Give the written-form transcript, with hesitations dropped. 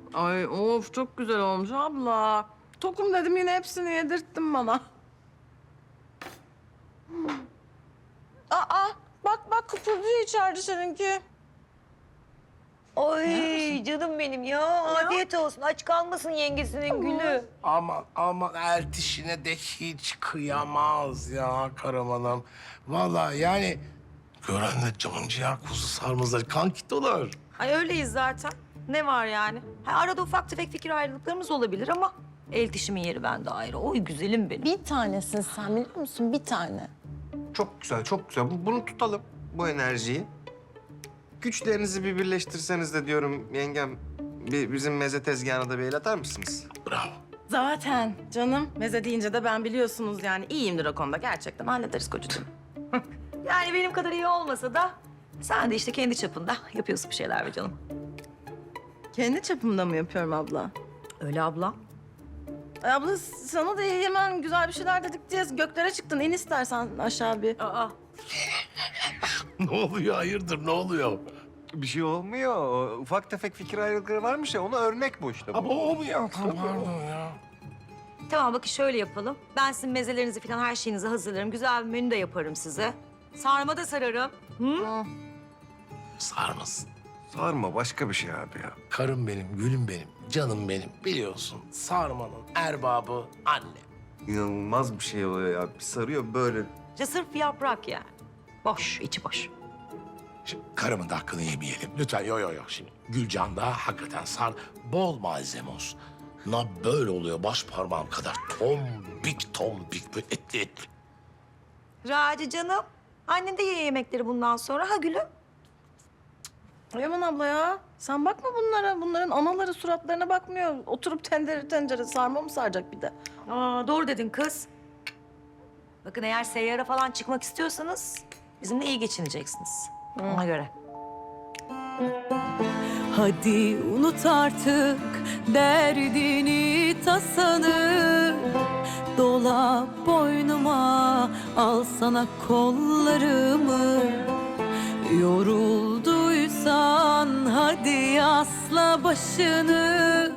Ay of çok güzel olmuş abla. Tokum dedim yine hepsini yedirttin bana. Aa bak kıpırdıyor içeride seninki. Oy canım benim ya. Afiyet olsun. Aç kalmasın yengesinin gülü. Aman eltişine de hiç kıyamaz ya Karaman'ım. Vallahi yani gören de canciğer kuzu sarmazlar, kan olur. Ay öyleyiz zaten. Ne var yani? Ha, arada ufak tefek fikir ayrılıklarımız olabilir ama el dişimin yeri bende ayrı. Oy güzelim benim. Bir tanesin sen biliyor musun? Bir tane. Çok güzel, çok güzel. Bunu tutalım, bu enerjiyi. Güçlerinizi bir birleştirseniz de diyorum yengem, bizim meze tezgahına da bir el atar mısınız? Bravo. Zaten canım meze deyince de ben biliyorsunuz yani iyiyimdir o konuda. Gerçekten hallederiz kocacığım. Yani benim kadar iyi olmasa da sen de işte kendi çapında yapıyorsun bir şeyler be canım. Kendi çapımda mı yapıyorum abla? Öyle abla. Ay abla sana da hemen güzel bir şeyler dedik diye göklere çıktın. İn istersen aşağı bir. Aa. Ne oluyor, hayırdır, ne oluyor? Bir şey olmuyor. O ufak tefek fikir ayrılıkları varmış ya, ona örnek bu işte. Ama o mu ya? Pardon ya. Tamam bakın şöyle yapalım. Ben sizin mezelerinizi falan her şeyinizi hazırlarım. Güzel bir menü de yaparım size. Sarma da sararım. Hı? Sarmasın. Sarma başka bir şey abi ya. Karım benim, gülüm benim, canım benim. Biliyorsun sarmanın erbabı anne. İnanılmaz bir şey oluyor ya. Bir sarıyor böyle. İşte sırf bir yaprak yani. Boş, içi boş. Şimdi karımın da hakkını yemeyelim. Lütfen yo. Şimdi Gülcan da hakikaten bol malzeme olsun. Na böyle oluyor baş parmağım kadar tombik böyle etli. Raci canım. Annen de ye yemekleri bundan sonra. Ha gülüm? Ay aman abla ya. Sen bakma bunlara. Bunların anaları suratlarına bakmıyor. Oturup tencere sarma mı saracak bir de? Aa, doğru dedin kız. Bakın eğer seyyara falan çıkmak istiyorsanız bizimle iyi geçineceksiniz. Ona göre. Hadi unut artık derdini tasanı. Dola boynuma, al sana kollarımı. Yorulduysan hadi asla başını.